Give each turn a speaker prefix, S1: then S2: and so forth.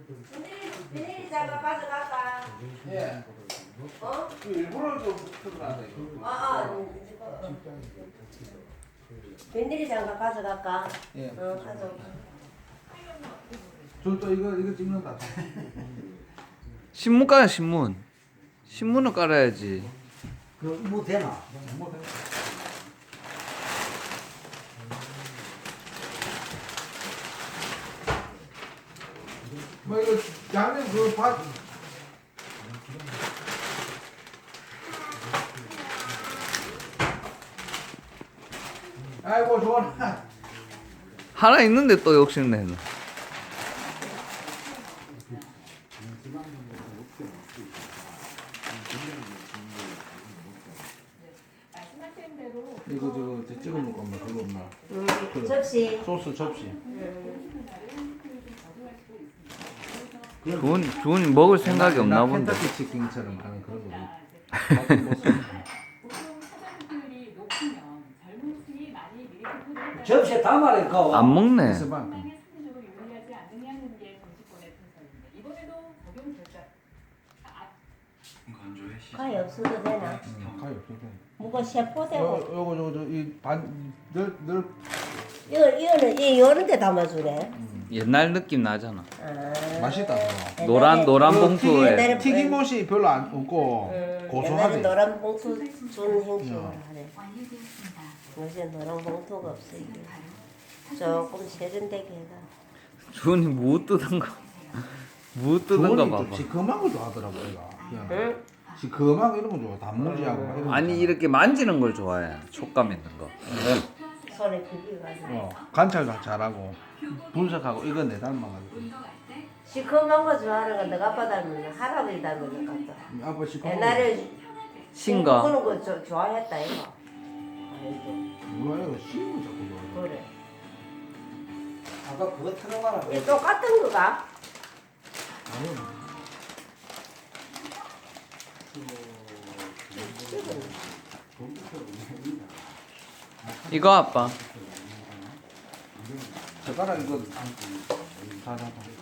S1: 비닐이 장갑 가져갈까?
S2: 예.
S1: 어?
S2: 일부러 좀 붙어가다 이거.
S1: 비닐이 장갑 가져갈까?
S2: 예.
S1: 가져가.
S2: 저또 이거 찍는다.
S3: 신문 깔아 신문. 신문을 깔아야지.
S4: 그뭐 되나?
S2: 뭐 이거 양념 그 밥. 아이고 좋아.
S3: 하나 있는데 또 욕심내는.
S2: 이거 저거 찍어 먹을 건가 그거 없나?
S1: 접시.
S2: 소스 접시.
S3: 주원이 먹을 생각이 없나 본데.
S2: 켄터키 치킨처럼 하는 그런 거.
S4: 접시에 담아라니까.
S3: 안 먹네.
S2: 있어봐.
S1: 가위 없어도 되나?
S2: 가위 없어도 돼.
S1: 뭐가 세포되고.
S2: 요거 이반늘
S1: 이거는 요런 데 담아주래.
S3: 옛날 느낌 나잖아.
S2: 맛있다.
S3: 노란 봉투에.
S1: 옛날에
S2: 튀김옷이 별로 안 없고
S1: 옛날에
S2: 고소하대.
S1: 노란 봉투 준 형식으로 하래. 요새 노란 봉투가 없어 이게. 조금 세련되게 해가.
S3: 주원이 무 뜯은 거. 무 뜯은 거 봐봐.
S2: 시커먼 거 좋아하더라고 얘가.
S1: 응?
S2: 시커먼 이런 거 좋아. 단무지하고 막 이런 거.
S3: 아니 이렇게 만지는 걸 좋아해. 촉감 있는 거.
S1: 손에 크기가 가지고.
S2: 관찰도 잘하고 분석하고 이거 내 닮아가지고.
S1: 시커먼 거 좋아하는 건 너가 아빠 닮은 할아버지 닮은 것 같다.
S2: 아빠 시커먼.
S1: 옛날에
S3: 신 거.
S1: 그런 거 좋아했다 이거. 아이고
S2: 뭐야 이거 씹고 자꾸 좋아해.
S1: 그래.
S4: 아까 그거 틀어봐라.
S1: 이 똑같은 거가?
S2: 아니요.
S3: 이거 아빠.
S2: 젓가락 이거 다 잡아.